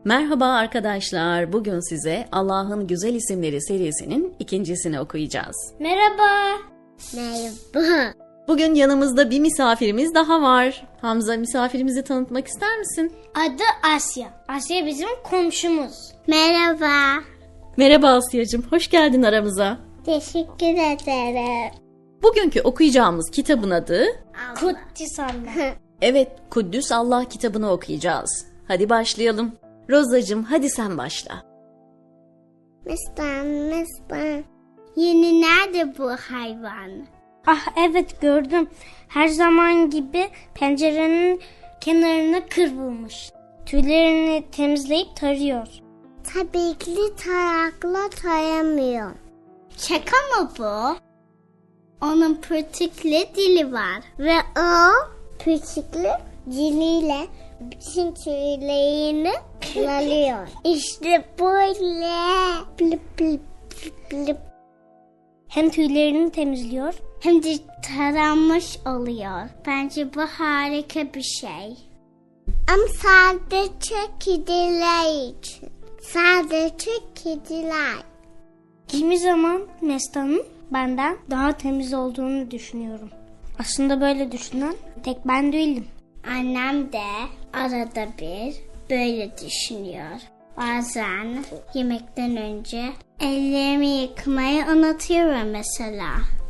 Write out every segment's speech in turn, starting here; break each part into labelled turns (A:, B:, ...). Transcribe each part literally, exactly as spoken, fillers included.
A: Merhaba arkadaşlar. Bugün size Allah'ın Güzel İsimleri serisinin ikincisini okuyacağız.
B: Merhaba.
C: Merhaba.
A: Bugün yanımızda bir misafirimiz daha var. Hamza, misafirimizi tanıtmak ister misin?
B: Adı Asya. Asya bizim komşumuz.
C: Merhaba.
A: Merhaba Asya'cığım. Hoş geldin aramıza.
C: Teşekkür ederim.
A: Bugünkü okuyacağımız kitabın adı...
B: Kuddis Allah.
A: Evet, Kuddüs Allah kitabını okuyacağız. Hadi başlayalım. Rozacığım, hadi sen başla.
C: Mistan, mistan. Yeni nerede bu hayvan?
B: Ah evet gördüm. Her zaman gibi pencerenin kenarına kıvrılmış. Tüylerini temizleyip tarıyor.
C: Tabii ki tarakla taramıyor. Şaka mı bu? Onun pırtıklı dili var. Ve o pırtıklı diliyle bütün tüylerini kullanıyor. İşte böyle. Blip blip blip.
B: Hem tüylerini temizliyor.
C: Hem de taranmış oluyor. Bence bu harika bir şey. Ama sadece kediler için. Sadece kediler.
B: Kimi zaman Nesta'nın benden daha temiz olduğunu düşünüyorum. Aslında böyle düşünen tek ben değilim.
C: Annem de arada bir böyle düşünüyor. Bazen yemekten önce ellerimi yıkamayı unutuyorum mesela.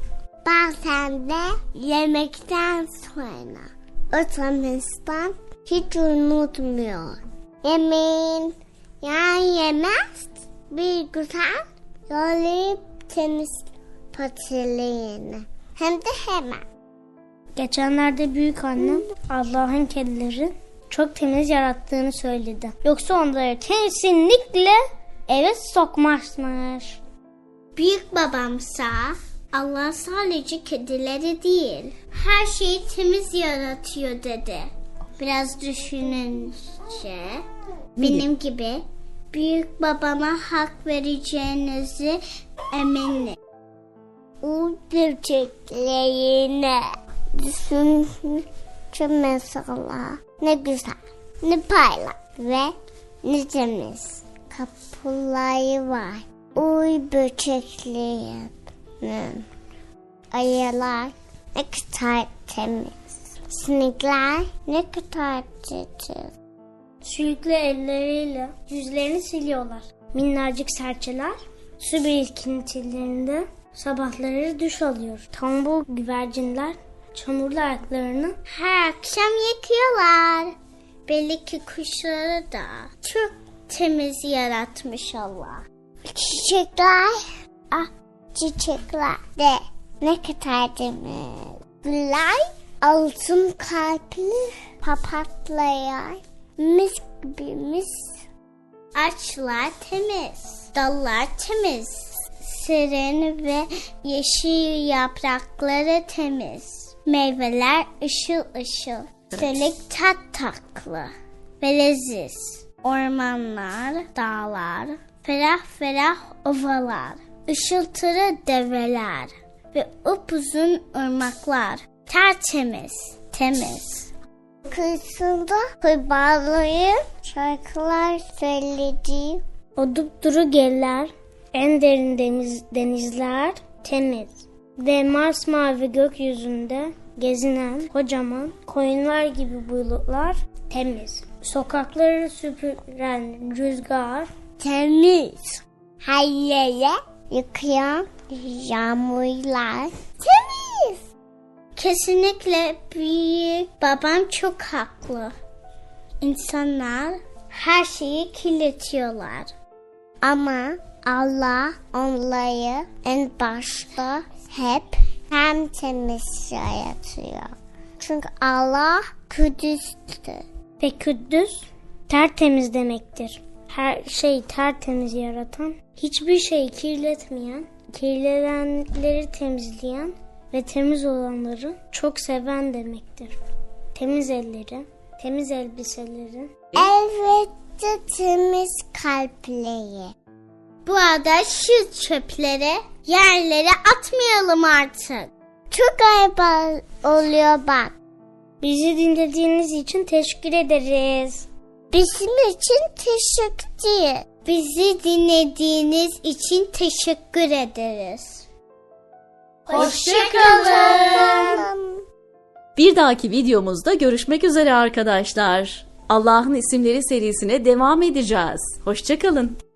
C: Bazen de yemekten sonra utanmıştan hiç unutmuyor. Yemeğin yan yemez bir güzel yollayıp temiz patilerini. Hem de hemen.
B: Geçenlerde büyük annem Allah'ın kedileri çok temiz yarattığını söyledi. Yoksa onları kesinlikle eve sokmazmış.
C: Büyük babamsa Allah sadece kedileri değil, her şeyi temiz yaratıyor dedi. Biraz düşününce benim gibi büyük babama hak vereceğinizi eminim. O böceklerine düşününce mesela ne güzel, ne parlak ve ne temiz kapıları var. Uy böceklerinin ayılar ne kadar temiz. Sinekler ne kadar titiz.
B: Sürekli elleriyle yüzlerini siliyorlar. Minnacık serçeler su birikintilerinde sabahları duş alıyor. Tombul güvercinler çamurlu ayaklarını
C: her akşam yıkıyorlar. Belli ki kuşları da çok temiz yaratmış Allah. Çiçekler, ah çiçekler de ne kadar temiz. Güller altın kalpli papatyalar mis gibi mis. Ağaçlar temiz, dallar temiz. Serin ve yeşil yaprakları temiz. Meyveler ışıl ışıl. Çelik tat tatlı ve leziz. Ormanlar, dağlar, ferah ferah ovalar. Işıltılı develer ve upuzun ırmaklar. Tertemiz, temiz. Kıyısında kurbağaların şarkılar söylediği.
B: o dupduru geller, en derin deniz, denizler temiz ve masmavi gökyüzünde gezinen kocaman koyunlar gibi bulutlar temiz. Sokakları süpüren rüzgar
C: Temiz. Her yere yıkayan yağmurlar temiz. Kesinlikle büyük babam çok haklı. İnsanlar her şeyi kirletiyorlar. Ama Allah onları en başta hep hem temiz yaratıyor. Çünkü Allah Kudüs'tür.
B: ve Kuddüs tertemiz demektir. Her şeyi tertemiz yaratan, hiçbir şeyi kirletmeyen, kirlenenleri temizleyen ve temiz olanları çok seven demektir. Temiz elleri, temiz elbiseleri.
C: Elbette temiz kalpleri. Bu arada şu çöpleri yerlere atmayalım artık. Çok ayıp oluyor bak.
B: Bizi dinlediğiniz için teşekkür ederiz.
C: Bizim için teşekkür. Bizi dinlediğiniz için teşekkür ederiz.
B: Hoşçakalın.
A: Bir dahaki videomuzda görüşmek üzere arkadaşlar. Allah'ın isimleri serisine devam edeceğiz. Hoşça kalın.